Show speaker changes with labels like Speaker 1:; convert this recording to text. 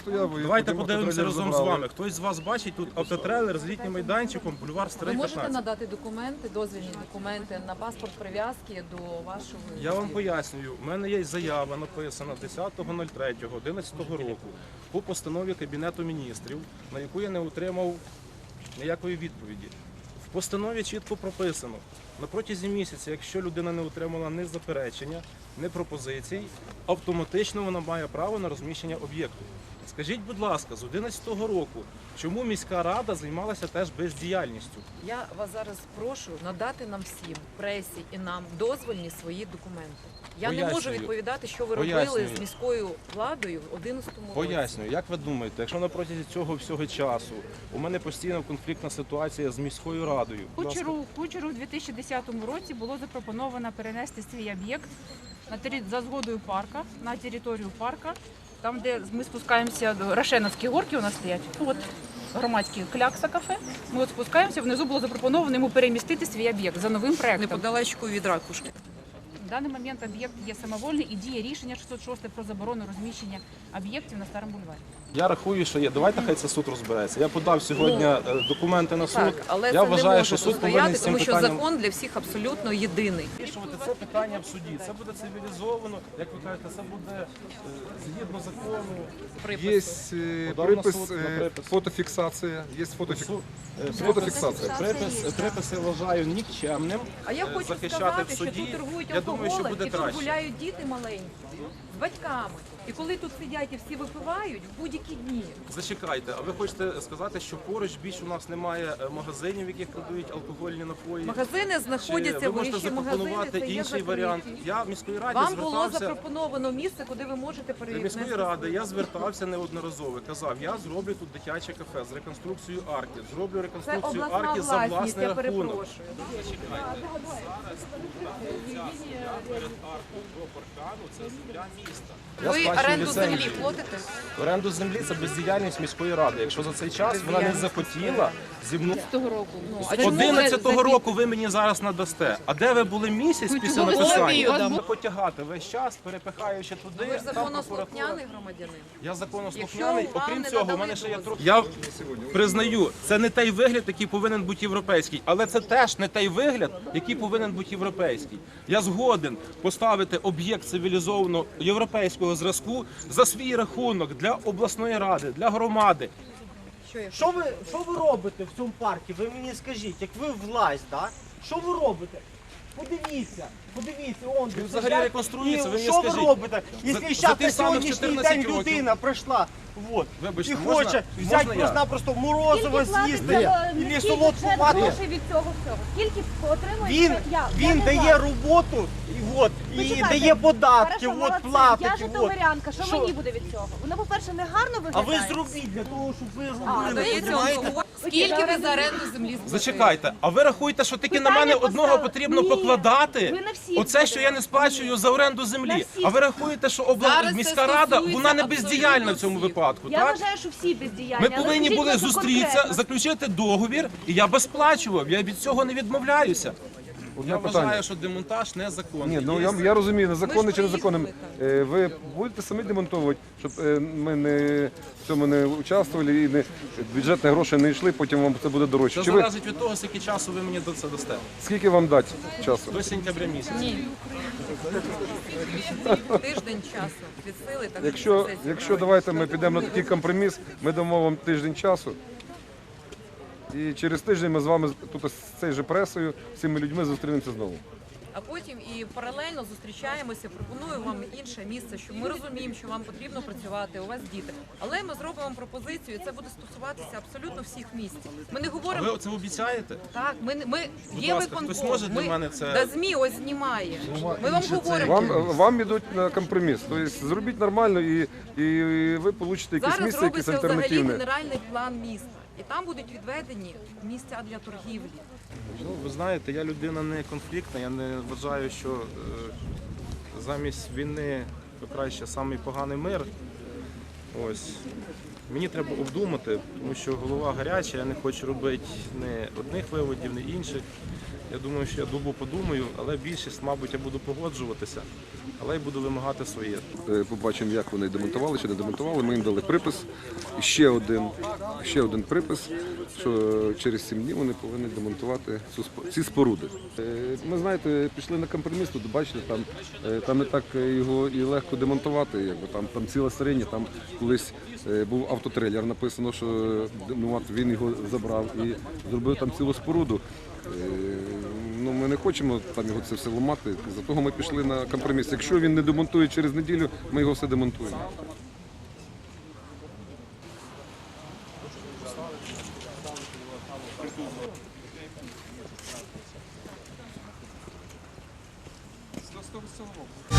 Speaker 1: стояв.
Speaker 2: Давайте подивимося разом з вами. Хтось з вас бачить тут автотрейлер з літнім майданчиком, бульвар Старий
Speaker 3: Ви можете
Speaker 2: 15.
Speaker 3: надати документи, дозвільні документи на паспорт прив'язки до вашого?
Speaker 2: Я вам пояснюю, у мене є заява написана 10.03.11 року по постанові Кабінету міністрів, на яку я не отримав ніякої відповіді. В постанові чітко прописано, на протязі місяця, якщо людина не отримала ні заперечення, ні пропозицій, автоматично вона має право на розміщення об'єкту. Скажіть, будь ласка, з 2011 року, чому міська рада займалася теж бездіяльністю?
Speaker 3: Я вас зараз прошу надати нам всім, пресі і нам, дозвольні свої документи. Я не можу
Speaker 2: Пояснюю.
Speaker 3: відповідати, що ви робили
Speaker 2: Пояснюю.
Speaker 3: з міською владою в 2011 році.
Speaker 2: Пояснюю, як ви думаєте, якщо на протязі цього всього часу у мене постійно конфліктна ситуація з міською радою? будь ласка.
Speaker 4: Кучеру у 2010 році було запропоновано перенести свій об'єкт за згодою парка на територію парка, там, де ми спускаємося до Рошеновські горки, у нас стоять. От громадські клякса кафе. Ми от спускаємося. Внизу було запропоновано йому перемістити свій об'єкт за новим проектом.
Speaker 3: Неподалечку від ракушки.
Speaker 4: В даний момент об'єкт є самовольний і діє рішення 606 про заборону розміщення об'єктів на Старому бульварі.
Speaker 2: Я рахую, що є. Давайте хай це суд розбереться. Я подав сьогодні документи на суд.
Speaker 3: Так, але
Speaker 2: я
Speaker 3: це
Speaker 2: вважаю,
Speaker 3: не може
Speaker 2: що суд
Speaker 3: тут
Speaker 2: повинен
Speaker 3: стояти,
Speaker 2: з цим
Speaker 3: тому що
Speaker 2: питанням
Speaker 3: закон для всіх абсолютно єдиний.
Speaker 2: вирішувати це питання в суді. Це буде цивілізовано, як ви кажете, це буде згідно закону.
Speaker 1: Есть
Speaker 2: Подав на
Speaker 1: припис,
Speaker 2: суд, на припис.
Speaker 1: фотофиксация. Есть
Speaker 2: Припис,
Speaker 1: фотофиксация.
Speaker 2: приписи вважаю нікчемним.
Speaker 3: А я хочу
Speaker 2: захищати
Speaker 3: сказати,
Speaker 2: в
Speaker 3: що
Speaker 2: суді.
Speaker 3: тут торгують
Speaker 2: Я думаю, що
Speaker 3: алкоголем
Speaker 2: буде
Speaker 3: і тут
Speaker 2: краще.
Speaker 3: гуляють діти маленькі з батьками. І коли тут сидять і всі випивають в будь-які дні.
Speaker 2: Зачекайте, а ви хочете сказати, що поруч більше у нас немає магазинів, в яких продають алкогольні напої?
Speaker 3: Магазини
Speaker 2: Чи
Speaker 3: знаходяться,
Speaker 2: ви можете
Speaker 3: вищі магазини,
Speaker 2: запропонувати
Speaker 3: це є
Speaker 2: інший варіант?
Speaker 3: закриті.
Speaker 2: Я в міської раді
Speaker 3: Вам було
Speaker 2: звертався.
Speaker 3: запропоновано місце, куди ви можете
Speaker 2: До
Speaker 3: перевірити.
Speaker 2: міської ради я звертався неодноразово. Казав, я зроблю тут дитяче кафе з реконструкцією арки. Зроблю
Speaker 3: Це
Speaker 2: реконструкцію
Speaker 3: обласна
Speaker 2: арки за
Speaker 3: власність,
Speaker 2: власний
Speaker 3: я
Speaker 2: рахунок.
Speaker 3: перепрошую.
Speaker 2: Я
Speaker 3: Ви
Speaker 2: сплачую
Speaker 3: оренду
Speaker 2: ліцензію.
Speaker 3: землі платите?
Speaker 2: Оренду землі це бездіяльність міської ради. Якщо за цей час вона не захотіла зі мною.
Speaker 4: Того року.
Speaker 3: А
Speaker 2: З 11-го року ви мені зараз надасте. А де ви були місяць після написання? Потягати весь час, перепихаючи туди.
Speaker 3: Ви ж
Speaker 2: там
Speaker 3: законослухняний
Speaker 2: прокуратура.
Speaker 3: громадянин.
Speaker 2: Я законослухняний.
Speaker 3: Якщо вам
Speaker 2: Окрім
Speaker 3: не
Speaker 2: цього, в
Speaker 3: надали
Speaker 2: мене ще є
Speaker 3: дозвіл.
Speaker 2: трохи. Я признаю, це не той вигляд, який повинен бути європейський, але це теж не той вигляд, який повинен бути європейський. Я згоден поставити об'єкт цивілізованого європейського зразку за свій рахунок для обласної ради, для громади.
Speaker 5: Що ви робите в цьому парку? Ви мені скажіть, як ви власть, да? Що ви робите? Подивіться, он де
Speaker 2: взагалі
Speaker 5: сидять.
Speaker 2: реконструюється,
Speaker 5: І
Speaker 2: ви мені
Speaker 5: що ви
Speaker 2: скажіть,
Speaker 5: робите?
Speaker 2: за
Speaker 5: Якщо
Speaker 2: тих
Speaker 5: зараз на
Speaker 2: самих
Speaker 5: сьогоднішній
Speaker 2: 14
Speaker 5: день
Speaker 2: років.
Speaker 5: людина прийшла, вот,
Speaker 2: Вибачте,
Speaker 5: і
Speaker 2: можна-
Speaker 5: хоче
Speaker 2: можна
Speaker 5: взяти
Speaker 2: я?
Speaker 5: просто морозиво з'їсти, і солодку
Speaker 6: бюджет
Speaker 5: вату.
Speaker 6: грошей від цього всього? Скільки отримує
Speaker 5: Він,
Speaker 6: я?
Speaker 5: він
Speaker 6: не
Speaker 5: дає
Speaker 6: знаю.
Speaker 5: роботу, і
Speaker 6: Почекайте.
Speaker 5: дає податки,
Speaker 6: Хорошо, молодці.
Speaker 5: платить.
Speaker 6: Я
Speaker 5: от.
Speaker 6: житомирянка, що
Speaker 5: Що?
Speaker 6: мені буде від цього? Воно, по-перше, не гарно
Speaker 5: А
Speaker 6: виглядає.
Speaker 5: ви зробіть для того, щоб ви робили.
Speaker 3: Дається
Speaker 5: понімаєте?
Speaker 3: алкоголь. Скільки ви за оренду землі сплатили?
Speaker 2: Зачекайте, а ви рахуєте, що тільки на
Speaker 6: Питання
Speaker 2: мене одного
Speaker 6: поставили.
Speaker 2: потрібно
Speaker 6: Ні,
Speaker 2: покладати?
Speaker 6: ви на всіх
Speaker 2: Оце, що я не сплачую за оренду землі.
Speaker 6: всіх.
Speaker 2: А ви рахуєте, що
Speaker 3: Зараз це
Speaker 2: міська рада,
Speaker 3: стосується
Speaker 2: вона не
Speaker 3: абсолютно
Speaker 2: бездіяльна в цьому
Speaker 3: всіх.
Speaker 2: випадку,
Speaker 6: Я
Speaker 2: так?
Speaker 6: вважаю, що всі бездіяльні.
Speaker 2: Ми
Speaker 6: але
Speaker 2: повинні
Speaker 6: скажіть
Speaker 2: були
Speaker 6: просто
Speaker 2: зустрітися,
Speaker 6: конкретно.
Speaker 2: заключити договір, і я би сплачував. Я від цього не відмовляюся.
Speaker 1: Одне
Speaker 2: Я
Speaker 1: питання.
Speaker 2: вважаю, що демонтаж незаконний.
Speaker 1: Ні, ну
Speaker 2: Є-
Speaker 1: я розумію, незаконний
Speaker 3: Ми
Speaker 1: чи
Speaker 3: ж
Speaker 1: незаконний.
Speaker 3: приїхали,
Speaker 1: Ви будете самі демонтувати, щоб ми не в цьому не участвували і бюджетні гроші не йшли, потім вам це буде дорожче.
Speaker 2: Це
Speaker 1: Чи ви
Speaker 2: залежить від того, скільки часу ви мені це дасте.
Speaker 1: скільки вам дати часу?
Speaker 2: До сентября місяця.
Speaker 3: Тиждень часу від сили. Так
Speaker 1: Якщо давайте ми підемо на такий компроміс, ми дамо вам тиждень часу. І через тиждень ми з вами тут з цією же пресою, з цими людьми зустрінемося знову.
Speaker 3: А потім і паралельно зустрічаємося, пропоную вам інше місце, що ми розуміємо, що вам потрібно працювати, у вас діти. Але ми зробимо вам пропозицію, і це буде стосуватися абсолютно всіх місць. Ми не
Speaker 2: А
Speaker 3: говоримо
Speaker 2: ви це обіцяєте?
Speaker 3: так. Ми
Speaker 2: Будь
Speaker 3: є
Speaker 2: ласка, хтось
Speaker 3: виконком.
Speaker 2: може для мене це-
Speaker 3: Да ЗМІ ось знімає. Ми вам говоримо.
Speaker 1: Вам ідуть на компроміс. Тобто зробіть нормально і ви получите якесь
Speaker 3: Зараз
Speaker 1: місце, якесь
Speaker 3: робиться взагалі
Speaker 1: альтернативне.
Speaker 3: генеральний план міста, і там будуть відведені місця для торгівлі.
Speaker 2: Ну, ви знаєте, я людина не конфліктна, я не вважаю, що замість війни то краще самий поганий мир. Ось. Мені треба обдумати, тому що голова гаряча, я не хочу робити ні одних виводів, ні інших. Я думаю, що я добу подумаю, але більшість, мабуть, я буду погоджуватися, але й буду вимагати своє.
Speaker 1: Побачимо, як вони демонтували чи не демонтували. Ми їм дали припис. І ще один припис, що через 7 днів вони повинні демонтувати ці споруди. Ми, знаєте, пішли на компроміс, тут бачите, там не так його і легко демонтувати. Якби там ціла сирені, там колись був автотрейлер, написано, що він його забрав і зробив там цілу споруду. Ну, ми не хочемо там його це все ламати, за того ми пішли на компроміс. Якщо він не демонтує через неділю, ми його все демонтуємо.
Speaker 7: З того